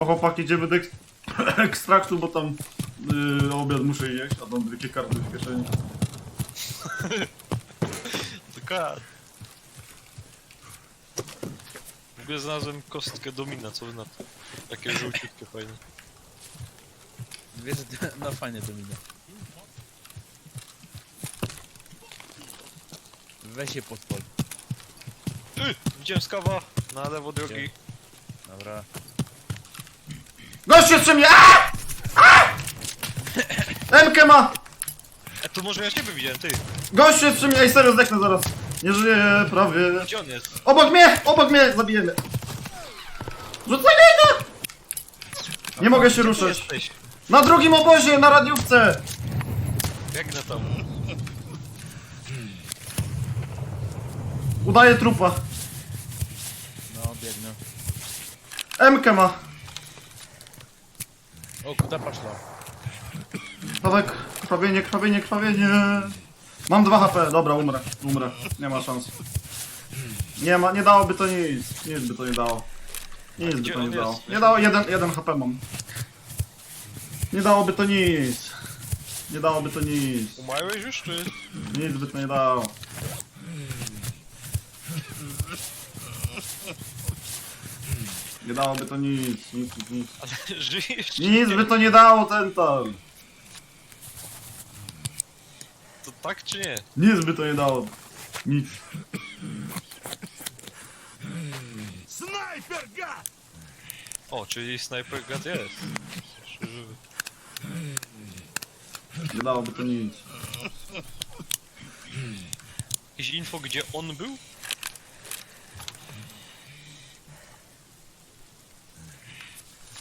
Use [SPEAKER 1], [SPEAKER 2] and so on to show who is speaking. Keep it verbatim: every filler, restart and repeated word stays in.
[SPEAKER 1] Chłopaki, idziemy do ek ekstraktu, bo tam yy, obiad muszę jeść, a mam dwie karty w kieszeni.
[SPEAKER 2] Dokładnie. W ogóle znalazłem kostkę domina, co wy na to? Takie żółciutkie fajne.
[SPEAKER 3] Wiesz, no fajnie to minę. Weź się podpol.
[SPEAKER 2] Yy, widziałem skawa na lewo drogi.
[SPEAKER 3] Dobra.
[SPEAKER 1] Gość jeszcze mnie! Aaaa! Aaaa! Emkę ma!
[SPEAKER 2] E, to może ja ciebie widziałem, ty.
[SPEAKER 1] Gość jeszcze mnie! Ej, serio, zdechnę zaraz. Nie żyję, prawie.
[SPEAKER 2] Gdzie on jest?
[SPEAKER 1] Obok mnie! Obok mnie! Zabijemy! Rzucaj go! Nie mogę się
[SPEAKER 2] Gdzie ty
[SPEAKER 1] ruszać.
[SPEAKER 2] jesteś?
[SPEAKER 1] Na drugim obozie, na radiówce!
[SPEAKER 2] Biegnę tam.
[SPEAKER 1] Udaję trupa.
[SPEAKER 3] No, biegnę.
[SPEAKER 1] Emkę ma.
[SPEAKER 3] O, kuda poszła.
[SPEAKER 1] Dawaj, krwawienie, krwawienie, krwawienie. Mam dwa H P, dobra, umrę, umrę. Nie ma szans. Nie ma, nie dałoby to nic. Nic by to nie dało. Nic by
[SPEAKER 2] Gdzie
[SPEAKER 1] to nie
[SPEAKER 2] on
[SPEAKER 1] dało.
[SPEAKER 2] jest?
[SPEAKER 1] Nie dało, jeden, jeden H P mam. Nie dałoby to nic. Nie dałoby to nic.
[SPEAKER 2] Umarłeś już, czy?
[SPEAKER 1] Nic by to nie dało. Nie dałoby to nic, nic, nic, nic.
[SPEAKER 2] Ale żyjesz? czy
[SPEAKER 1] Nic
[SPEAKER 2] nie?
[SPEAKER 1] by to nie dało, ten tam.
[SPEAKER 2] To tak czy nie?
[SPEAKER 1] Nic by to nie dało. Nic.
[SPEAKER 2] O, czyli Sniper God jest. Jeszcze żywy.
[SPEAKER 1] Nie dałoby to nic.
[SPEAKER 2] Jakieś info, gdzie on był?